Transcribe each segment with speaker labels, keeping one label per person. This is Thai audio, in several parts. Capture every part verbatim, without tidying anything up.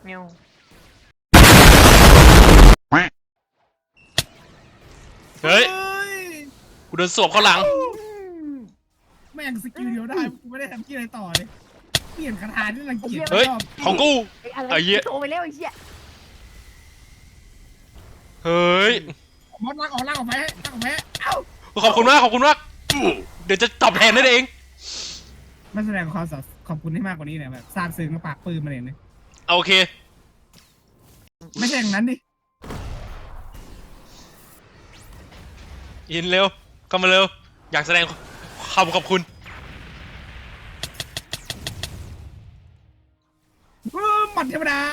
Speaker 1: เงี้ย
Speaker 2: เฮ้ยกูโดนสวบเข้าหลัง
Speaker 3: แม่งสกิลเดียวได้กูไม่ได้ทำที่อะไรต่อเลยเปลี่ยนคาถาที่รังเกียจ
Speaker 2: เฮ้ยของกู
Speaker 1: ไอ้เหี้ยโตไปแล้วไอ้เหี้ย
Speaker 2: เฮ้ย
Speaker 3: มอสลากออกลากออกไปลากออกไปเอ้า
Speaker 2: ขอบคุณมากขอบคุณมากเดี๋ยวจะตอบแทนนั่นเอง
Speaker 3: มันแสดงความขอบคุณให้มากกว่านี้เนี่ยแบบซาบซึ้งกับปากปืนมาเลยเนี่ย
Speaker 2: โอเค
Speaker 3: ไม่ใช่อย่างนั้นดิ
Speaker 2: ยินเร็วเข้ามาเร็วอยากแสดงความขอบคุณ
Speaker 3: หมัดเทวดา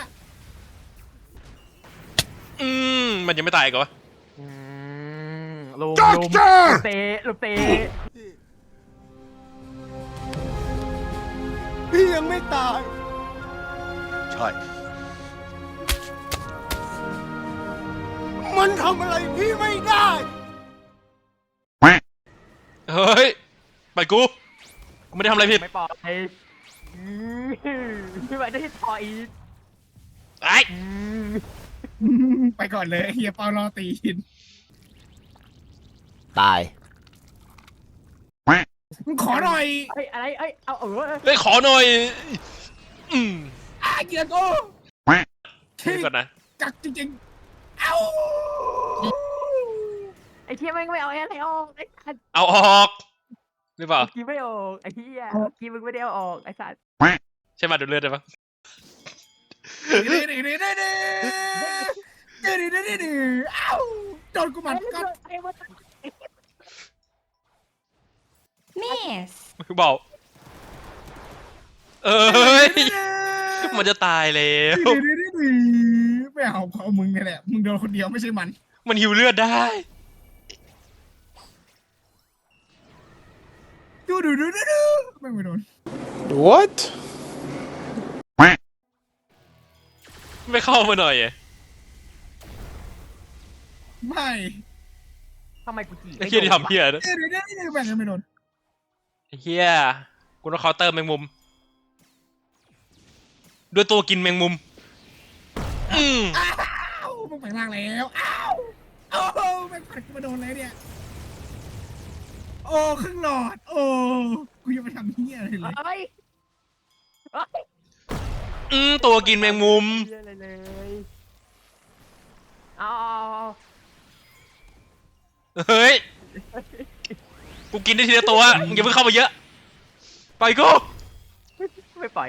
Speaker 2: อืมมันยังไม่ตายอีก่อน
Speaker 1: อืมลุมลุมเตะลุมเตะ
Speaker 4: พี่ยังไม่ตาย
Speaker 5: ใช่
Speaker 4: มันทำอะไรพี่ไม่ได้
Speaker 2: เฮ้ยไปกูกูไม่ได้ทำอะไรผิด
Speaker 1: ไม่ปล่อยไม่ไหวได้ต่อย
Speaker 2: ไอ้
Speaker 3: ไปก่อนเลยเฮียเปารอตีน
Speaker 5: ตาย
Speaker 3: มึงขอหน่อย
Speaker 1: ไอ้อะไรไอ้เอาเออ
Speaker 2: เฮ้ยขอหน่อยอืม
Speaker 3: อาเกียร์กู
Speaker 2: เดี๋ยวก่อนนะ
Speaker 3: กักจริงๆเอ้า
Speaker 1: ไอ้เทียแม่งไม่เอาอะไรออกไอ้สัตว์
Speaker 2: เอาออกหรือเปล่า
Speaker 1: กินไม่ออกไอ้เทียกินมึงไม่ได้เอาออกไอ้สัตว์
Speaker 2: ใช่มาดูเลือดได้ปะ
Speaker 3: ดื้อดื้อดื้อดื้อดื้อดื้อดื้อดื้อดื้อดื้อเอ้าโดนกูหมัดกัด
Speaker 6: Miss
Speaker 2: เบาเอ้ยมันจะตายแล้ว
Speaker 3: ดื้อดื้อดื้อดื้อไม่เอาเอามึงนี่แหละมึงโดนคนเดียวไม่ใช่มัน
Speaker 2: มันหิวเลือดได้
Speaker 3: ดูดูดูดูดูไม่ไม่โดน
Speaker 4: What
Speaker 2: ไม่เข้ามาหน่อยอะ
Speaker 3: ไม่
Speaker 1: ทำไมกูจี
Speaker 2: ไอ้เฮียที่ทำเฮียนะ
Speaker 3: ดื้อดื้อดื้อดื้อแม่งไม่โดน
Speaker 2: ไอ้เฮียกูต้องเคาน์เตอร์แมงมุมด้วยตัวกินแมงมุมอืม
Speaker 3: อ้าวมึงไปล่างแล้วอ้าวโอ้โหแม่งผัดกูมาโดนเลยเนี่ยโอ้ครึ่งหลอดโอ้กูยังไม่ทำเฮียอะไรเลย
Speaker 1: เฮ้ยเฮ้ย
Speaker 2: อืมตัวกินแมงมุม
Speaker 1: อะไรเลยเอา
Speaker 2: เฮ้ยกูกินได้ทีละตัวมึงอย่าเพิ่งเข้ามาเยอะไปกู
Speaker 1: ไม่ปล่อย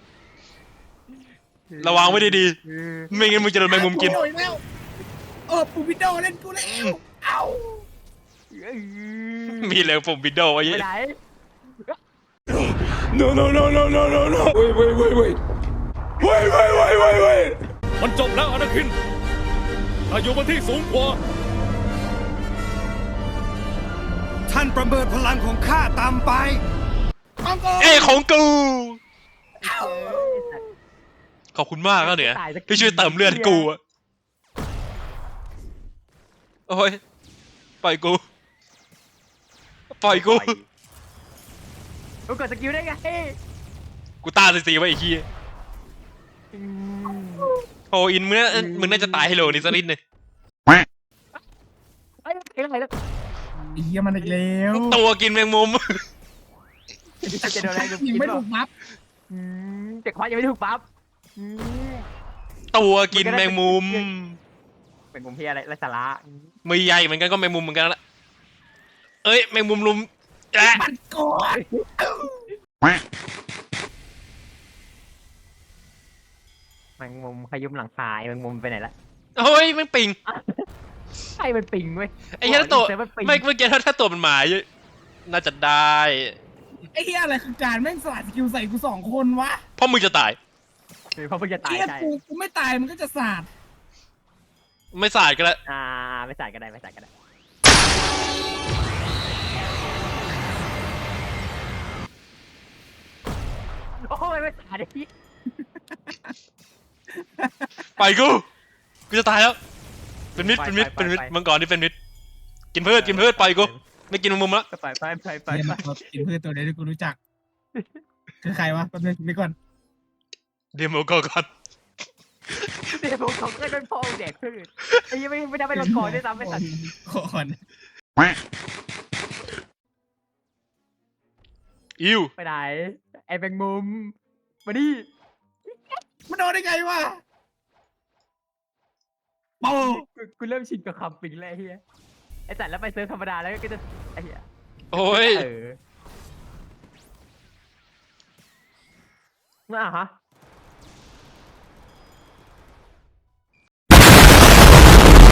Speaker 2: ระวังไว้ดีๆไม่งั้นมึงจะโดนแมงมุมกิน
Speaker 3: โดนแล้วเออปูวิดโดเล่นกูแล้วเอ้า
Speaker 2: มีเลยผมวิดโดว์ไว้
Speaker 1: ไปไหน
Speaker 4: No no no no no no no Wait wait wait wait Wait wait wait wait wait
Speaker 7: มันจบแล้วอนาคินถ้าอยู่บนที่สูงกว่า
Speaker 4: ท่านประเมินพลังของข้าต่ำไป
Speaker 3: ของกู
Speaker 2: เอ้ยของกู
Speaker 3: เอ้า
Speaker 2: ขอบคุณมากนะเนี่ยที่ช่วยเติมเลือดกูอะโอ้ยปล่อยกูปล่อยกู
Speaker 1: กูกดสกิลได้ไง
Speaker 2: กูตาสีๆไว้ไอ้ขี้ยโอ้อินมึงน่ามึงน่าจะตายให้โลนี่สักนิดนึง
Speaker 1: เฮ้ยเฮ้ยอะไรแล้ว
Speaker 3: ไอ้เฮียมันอีกแล้ว
Speaker 2: ตัวกินแมงมุม
Speaker 1: จะโดนอะไรกู
Speaker 3: ยิ
Speaker 1: กิ
Speaker 3: ง
Speaker 1: น
Speaker 3: ไม่
Speaker 1: เปล่า
Speaker 3: ถูกมัฟ
Speaker 1: อืมแต่ควายยังไม่ถูกปั๊บอืม
Speaker 2: ตัวกินแมงมุม
Speaker 1: เป็นมุมที่อะไรไรสาระ
Speaker 2: มือใหญ่เหมือนกันก็แมงมุมเหมือนกันละเอ้ยแมงมุมลุมแอะ
Speaker 3: มันกอด
Speaker 1: แมงมุมขยุมหลังคาแมงมุมไปไหนละ
Speaker 2: เฮ้ยแม่งปิง
Speaker 1: ใช่มันปิงเว้ย
Speaker 2: ไอ้เหี้ยถ้าตัว
Speaker 1: เซิร์ฟมันปิง
Speaker 2: ไม่เมื่อกี้ถ้าถ้าตัวมันหมาเยอะน่าจะได้
Speaker 3: ไอ้เฮียอะไรคือการแม่งสลัดสกิลใส่กูสองคนวะ
Speaker 2: เพราะมึงจะตาย
Speaker 1: หรือเพราะเพิ่งจะตาย
Speaker 3: เฮีย
Speaker 1: ใช่
Speaker 3: กูกูไม่ตายมันก็จะสาด
Speaker 2: ไม่สาดกันแล้ว
Speaker 1: อ่าไม่ใส่ก็ได้ไม่ใส่ก็ได้โอ้ยไม่ใส่ดิ
Speaker 2: ไปกูกูจะตายแล้ว เป็นมิดเป็นมิดเป็นมิดมังกรนี่เป็นมิดกินพืชกินพืชไปกูไม่กินแมงมุมแล้ว
Speaker 1: ไปไปไปไป
Speaker 3: เฮีย
Speaker 1: ไป
Speaker 3: มันกินพืชตัวเดียวที่กูรู้จักคือใครวะแป๊บนึงนี่ก่อน
Speaker 2: เดโมก็ก่อน
Speaker 1: เดี๋ยวผมของก็โดนพ่อแดกพืชไอ้ยังไม่ไม่ได้ไปลงคอด้วยซ้ำไปสัตว์
Speaker 3: ก่อน
Speaker 2: อิว
Speaker 1: ไปไหนไอ้แบงมุมมาดิ
Speaker 3: มันโดนได้ไงวะโอ้
Speaker 1: กูกูเริ่มชินกับคำปิงแล้วไอ้เฮียไอ้สัตว์แล้วไปเซิร์ฟธรรมดาแล้วก็จะไอ้เฮีย
Speaker 2: โอ้ย
Speaker 1: เออน่าฮะ